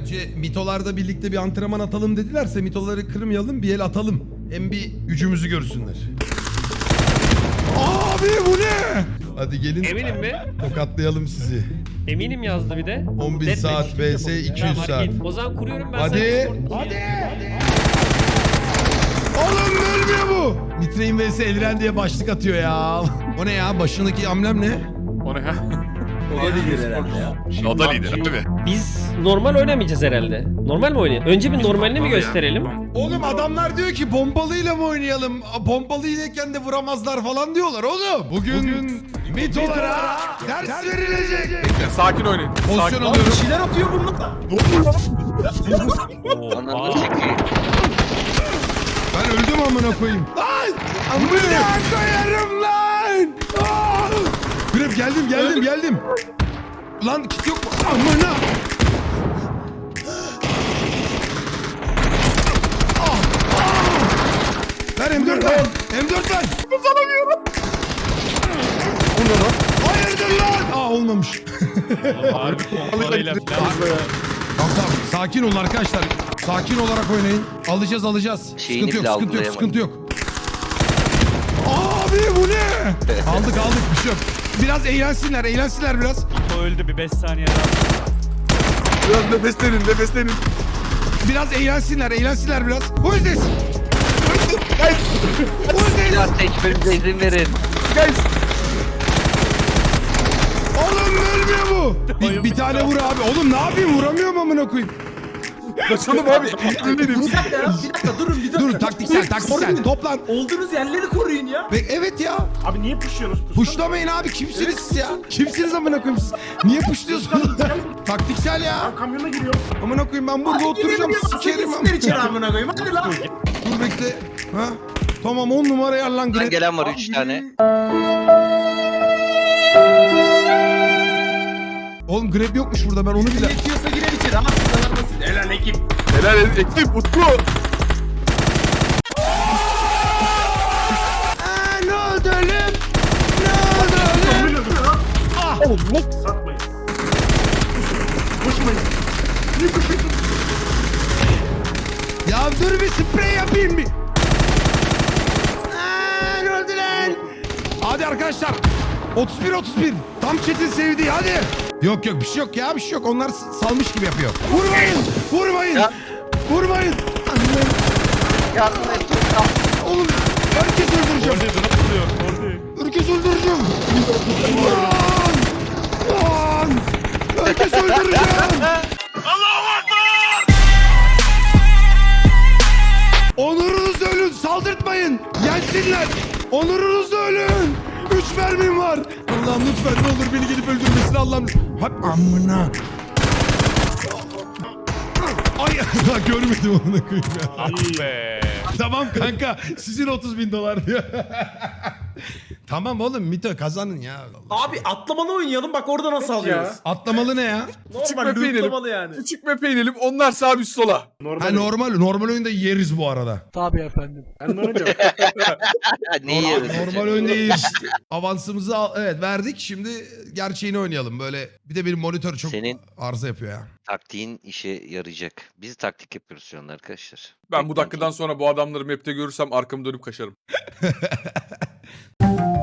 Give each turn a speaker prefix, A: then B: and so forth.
A: Bence mitolarda birlikte bir antrenman atalım dedilerse mitoları kırmayalım, bir el atalım. Hem bir gücümüzü görsünler. Abi bu ne? Hadi gelin.
B: Eminim mi?
A: Tokatlayalım sizi.
B: Eminim yazdı bir de.
A: 11 saat vs 200
B: Tamam,
A: saat.
B: hadi git. O zaman kuruyorum ben sana
A: Hadi.
B: Discord.
A: Hadi. Oğlum ölmüyor bu. Nitrein vs Elren diye başlık atıyor ya. O ne ya? Başındaki amblem ne?
C: O ne ya?
D: O da lider herhalde ya.
C: O da lider abi.
B: Biz normal oynamayacağız herhalde. Normal mi oynayalım? Önce bir normalini mi gösterelim?
A: Oğlum adamlar diyor ki pompalıyla mı oynayalım? Pompalıyken de vuramazlar falan diyorlar oğlum. Bugün mitolara ders verilecek.
C: Bekle, sakin oynayın.
A: Pozisyon
C: Sakin.
A: alıyorum.
D: Bir şeyler atıyor bunlar.
E: Ananı çekiyor.
A: Ben öldüm amına koyayım. Lan! Amına koyarım lan! Aa! Grep geldim. Lan kit yok mu? Amına! Ver M4 ver. M4 ver. Uzanamıyorum. Hayırdır lan? Aa olmamış.
B: Harbi pompalıyla falan.
A: Tamam. Sakin olun arkadaşlar. Sakin olarak oynayın. Alacağız.
E: Şeyini
A: Sıkıntı
E: bile
A: yok.
E: algılayamadım.
A: Sıkıntı yok. Abi bu ne? aldık bir şey yok. Biraz eğlensinler biraz.
F: O öldü bir 5 saniye daha.
C: Biraz nefeslenin.
A: Biraz eğlensinler biraz. Who is this?
E: Silah seçmemize izin verin.
A: Oğlum ölmüyor bu. Bir tane vur abi. Oğlum ne yapayım? Vuramıyorum amına koyayım.
C: Kaçalım abi.
D: Bir dakika ya. Bir dakika durun bir dakika.
A: Dur taktiksel.
D: Koruyun.
A: Toplan.
D: Olduğunuz yerleri koruyun ya.
A: Evet ya.
F: Abi niye pushuyorsunuz?
A: Puşlamayın abi. Kimsiniz siz ya? Kimsiniz amına koyayım siz? Niye puşluyorsunuz? Taktiksel ya.
F: Kamyona giriyor.
A: Amına koyayım ben burada oturacağım. Sikerim
D: Siktir içeri
A: amına.
D: amına koyayım. Hadi lan.
A: Dur bekle. Ha? Tamam 10 numara yer lan
E: Buradan
A: Grep.
E: gelen var 3 tane.
A: Oğlum Grep yokmuş burada ben onu bile.
D: Yetiyorsa girer içeri. Ha sıralar nasıl? Helal ekip.
C: Helal edin. Ekip Utku.
A: Ne oldu oğlum? Ne oldu oğlum?
F: Satmayın. Koşmayın. Niye koşuyorsun?
A: Ya dur bir sprey yapayım bir. Ne oldu lan? Hadi arkadaşlar. 31. Tam chat'in sevdiği hadi. Yok bir şey yok ya bir şey yok. Onlar salmış gibi yapıyor. Vurmayın.
E: Ya.
A: Vurmayın. Anne.
E: Yardım et.
A: Oğlum herkes öldüreceğim.
F: Orada drop oluyor. Orada.
A: Herkes öldüreceğim. Lan. Herkes öldüreceğim. Onurunuzla ölün, saldırtmayın. Yensinler. Onurunuzla ölün. 3 mermim var. Allah'ım lütfen ne olur beni gelip öldürmesin Allah'ım. Hep amına. Ay görmedim onu koyayım ya.
F: Ah be.
A: Tamam kanka sizin 30.000 dolar diyor. Tamam oğlum Mito kazanın ya.
D: Abi atlamalı oynayalım bak orada nasıl alıyoruz.
A: Atlamalı ne ya?
D: Normal
C: map'e inelim.
D: lootlamalı yani.
C: Küçük map'e inelim. Onlar sağ biz sola.
A: Ha normal oyunda yeriz bu arada.
F: Ben de onu diyorum.
E: Neyi yeriz?
A: Normal oyunda yeriz. Avansımızı evet verdik. Şimdi gerçeğini oynayalım. Böyle bir de benim monitör çok
E: Senin-
A: arıza yapıyor ya.
E: Taktiğin işe yarayacak. Biz taktik yapıyoruz şu an arkadaşlar.
C: Ben bu dakikadan sonra bu adamları map'te görürsem arkamı dönüp kaçarım.